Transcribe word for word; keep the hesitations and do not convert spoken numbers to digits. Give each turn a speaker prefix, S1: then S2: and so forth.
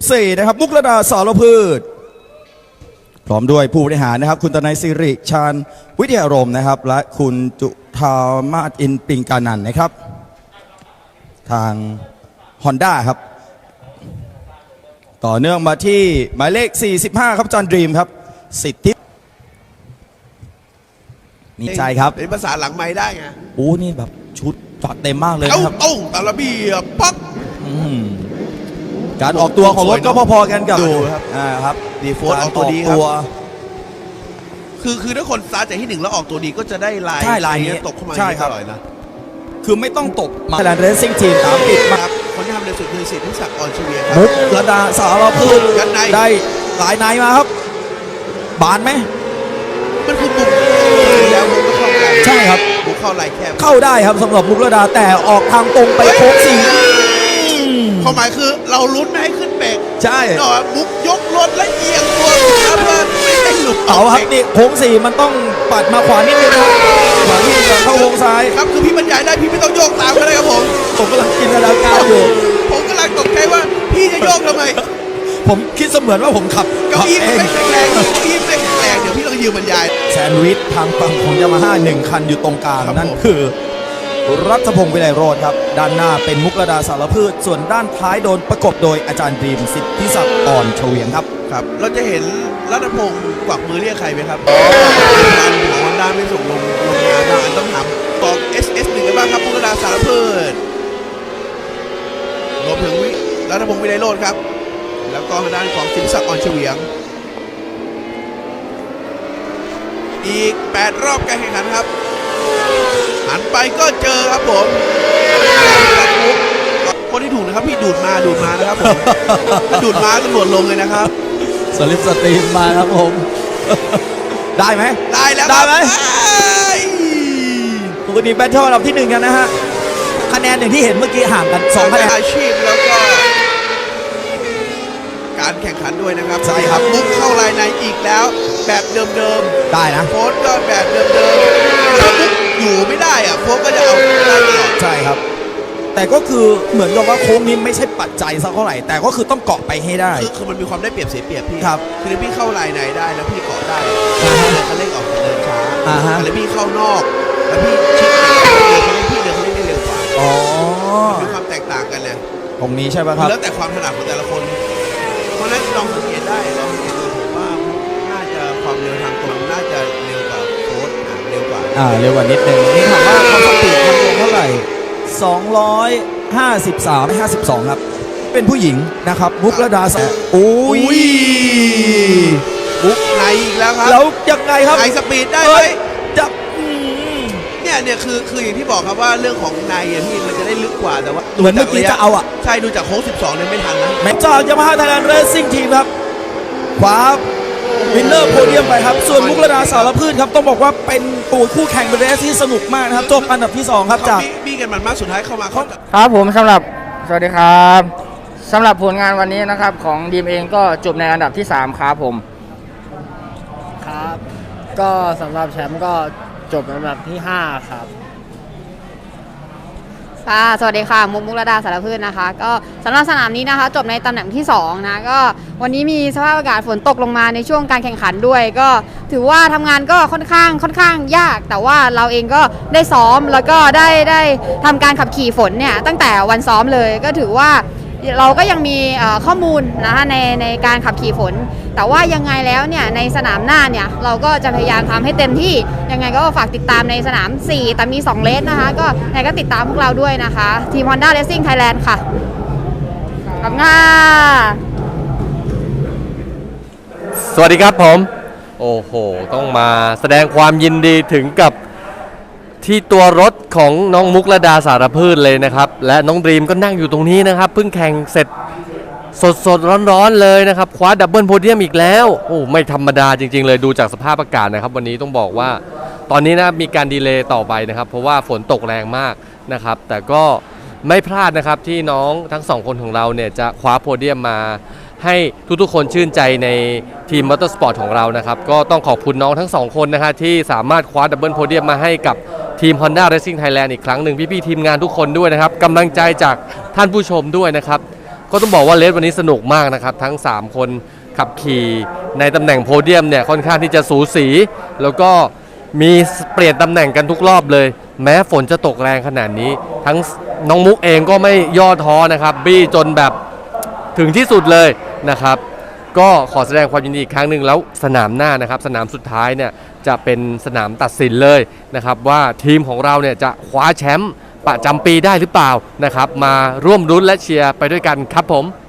S1: สี่นะครับมุกลดาสารพืชพร้อมด้วยผู้บริหารนะครับคุณตนัยสิริชาญวิทยารมณ์นะครับและคุณจุธามาศอินปิงกานันนะครับทาง Honda ครับต่อเนื่องมาที่หมายเลขสี่สิบห้าครับจอห์นดรีมครับสิทธินี่ใช่ครับ
S2: เป็นภาษาหลังไม้ได้ไง
S1: โอ้นี่แบบชุดจัดเต็มมากเลยนะครับ
S2: เอ้าตาลบีปัก
S1: การออกตัวของรถก็พอๆกันกับ
S2: ดูครับ
S1: อ่าครับ
S2: ดีโฟร์ออกตัวดีครับคือคือถ้าคนสตาร์ทจากที่หนึ่งแล้วออกตัวดีก็จะได้ลาย
S1: ใช่ลายนี้
S2: ตกเข้ามา
S1: ใช่ครับ
S2: อร่อยนะ
S1: คือไม่ต้องตกมาแลนด์เรซซิ่งทีมตามปิดมา
S2: คนที่ทำในสุดคือสิทธิศักดิ์อ่อนเฉวียง
S1: มุกระดาสารพืชได้หลายนายมาครับบานไหม
S2: มันคือบุกแล้วมุกก็เข้าได้
S1: ใช่ครับ
S2: บุกเข้าลายแคบ
S1: เข้าได้ครับสำหรับมุกระดาแต่ออกทางตรงไปโค้งสี่
S2: ความหมายคือเราลุ้นไม่ให้ขึ้นเบรก
S1: ใช่
S2: หน่อยมุกยกรถและเอียงตัวเพื่อไม่ให้หลุด
S1: เอาครับนี่โค้งสี่มันต้องปัดมาขวานิดนึงนะครับขวานิดนึงเข้าโค้งซ้าย
S2: ครับคือพี่บรรยายได้พี่ไม่ต้องโยกตามก็ได้ครับผม
S1: ผมกำลังกินนาการอยู่
S2: ผมกำลังตกใจว่าพี่จะโยกทำไม
S1: ผมคิดเสมือนว่าผมขับ
S2: เก้าอี้ไม่แข็งแรงเก้าอี้ไม่แข็งแรงเดี๋ยวพี่ต้องยืมบรรยาย
S1: แซนด์วิชทางฝั่งของยามาฮ่าหนึ่งคันอยู่ตรงกลางนั่นคือรัฐพงศ์วิไลโรจน์ครับด้านหน้าเป็นมุกลดาสารพืชส่วนด้านท้ายโดนประกบโดยอาจารย์ดรีมสิทธิศักดิ์อ่อนเฉวียงครับ
S2: ครับเราจะเห็นรัฐพงศ์กวักมือเรียกใครไหมครับงานของฮอนด้าไม่ส่งลงลงงานนะอันต้องถามบอก เอส เอส หนึ่งกันบ้างครับมุกลดาสารพืชรวมถึงรัฐพงศ์วิไลโรจน์ครับแล้วก็ทางด้านของสิทธิศักดิ์อ่อนเฉวียงอีกแปดรอบการแข่งขันครับหันไปก็เจอครับผมคนที่ถูกนะครับพี่ดูดมาดูดมานะครับผมดูดมาตำรวจลงเลยนะครับ
S1: สลิปสตรีมมาครับผมได้ไหม
S2: ได้แล้ว
S1: ได้ไหมปกติแบทเทิลอันดับที่หนึ่งกันนะฮะคะแนนอย่างที่เห็นเมื่อกี้ห่างกันสองคะแนน
S2: อาชีพแล้วก็การแข่งขันด้วยนะครับ
S1: ใช่ครับ
S2: มุกเข้าลายในอีกแล้วแบบเดิม
S1: ๆได้นะ
S2: โค้ดก็แบบเดิมๆถ้ามุกอยู่ไม่ได้อะโค้ดก็จะเอาได้ตลอด
S1: ใช่ครับแต่ก็คือเหมือนกับว่าโค้งนี้ไม่ใช่ปัจจัยสักเท่าไหร่แต่ก็คือต้องเกาะไปให้ได้
S2: คือคือมันมีความได้เปรียบเสียเปรียบพี่
S1: ครับ
S2: คือพี่เข้าลายในได้แล้วพี่เกาะได้เลยเขาเร่งออกเดินช้าแล้วพี่เข้านอกแล้วพี่ชิดพี่เดินเขาเร่งได้เร็วกว่า
S1: อ๋อ
S2: มีความแตกต่างกันเนี่ย
S1: ตรงนี้ใช่ป่ะครับ
S2: แล้วแต่ความถนัดของแต่ละคนเพราะนั้นลองสังเกตได้ลองสังเกตดูผมว่าน่าจะความเร็วทางตรงน่าจะเร็วกว่าโค้ดเร็วกว่า
S1: อ่าเร็วกว่านิดนึงนี่ถามว่าความสปีดทางตรงเท่าไหร่สองร้อยห้าสิบสาม ห้าสิบสองครับเป็นผู้หญิงนะครับมุกลดาโอ้ย
S2: มุกไหนอีกแล้วครับ
S1: แล้วยังไงครับ
S2: ไอสปีดได้ไหม
S1: จับ
S2: เนี่ยเนี่ยคือคืออย่างที่บอกครับว่าเรื่องของในพี่มันจะได้ลึกกว่าแต่ว่า
S1: เหมือนเมื่อกี้จะเอาอ่ะ
S2: ใช่ดูจากโค้งสิบสองเนี่ยไม่ทันนะ
S1: แม็กซ์ยามาฮ่าไทยแลนด์เรซซิ่งทีมครับขวาวินเนอร์โพเดียมไปครับส่วนมุกลดาสารพืชครับต้องบอกว่าเป็นตัวคู่แข่งเป็นเรสที่สนุกมากนะครับจบอันดับที่สองครับจาก
S2: บี้กันมันมากสุดท้ายเข้ามาเขา
S3: ครับผมสำหรับสวัสดีครับสำหรับผลงานวันนี้นะครับของดีมเองก็จบในอันดับที่สามครับผม
S4: ครับก็สำหรับแชมป์ก็จบอันดับที่ห้าครับ
S5: ค่ะสวัสดีค่ะมุกมุกลดาสารพืชนะคะก็สำหรับสนามนี้นะคะจบในตำแหน่งที่สองนะก็วันนี้มีสภาพอากาศฝนตกลงมาในช่วงการแข่งขันด้วยก็ถือว่าทำงานก็ค่อนข้างค่อนข้างยากแต่ว่าเราเองก็ได้ซ้อมแล้วก็ได้ได้ทำการขับขี่ฝนเนี่ยตั้งแต่วันซ้อมเลยก็ถือว่าเราก็ยังมีข้อมูลนะคะในในการขับขี่ฝนแต่ว่ายังไงแล้วเนี่ยในสนามหน้าเนี่ยเราก็จะพยายามทำให้เต็มที่ยังไงก็ฝากติดตามในสนามสี่แต่มีสองเลสนะคะก็ยังไงก็ติดตามพวกเราด้วยนะคะทีม Honda Racing Thailand ค่ะขอบคุณค่ะ
S6: สวัสดีครับผมโอ้โหต้องมาแสดงความยินดีถึงกับที่ตัวรถของน้องมุกลดาสารพืชเลยนะครับและน้องดรีมก็นั่งอยู่ตรงนี้นะครับเพิ่งแข่งเสร็จสดสดร้อนๆเลยนะครับคว้าดับเบิลโพเดียมอีกแล้วโอ้ไม่ธรรมดาจริงๆเลยดูจากสภาพอากาศนะครับวันนี้ต้องบอกว่าตอนนี้นะมีการดีเลย์ต่อไปนะครับเพราะว่าฝนตกแรงมากนะครับแต่ก็ไม่พลาดนะครับที่น้องทั้งสองคนของเราเนี่ยจะคว้าโพเดียมมาให้ทุกๆคนชื่นใจในทีมมอเตอร์สปอร์ตของเรานะครับก็ต้องขอบคุณน้องทั้งสองคนนะฮะที่สามารถคว้าดับเบิลโพเดียมมาให้กับทีม Honda Racing Thailand อีกครั้งหนึ่งพี่ๆทีมงานทุกคนด้วยนะครับกำลังใจจากท่านผู้ชมด้วยนะครับก็ต้องบอกว่าเลสวันนี้สนุกมากนะครับทั้งสามคนขับขี่ในตำแหน่งโพเดียมเนี่ยค่อนข้างที่จะสูสีแล้วก็มีเปลี่ยนตำแหน่งกันทุกรอบเลยแม้ฝนจะตกแรงขนาดนี้ทั้งน้องมุกเองก็ไม่ย่อท้อนะครับบี้จนแบบถึงที่สุดเลยนะครับก็ขอแสดงความยินดีอีกครั้งหนึ่งแล้วสนามหน้านะครับสนามสุดท้ายเนี่ยจะเป็นสนามตัดสินเลยนะครับว่าทีมของเราเนี่ยจะคว้าแชมป์ประจำปีได้หรือเปล่านะครับมาร่วมรุ้นและเชียร์ไปด้วยกันครับผม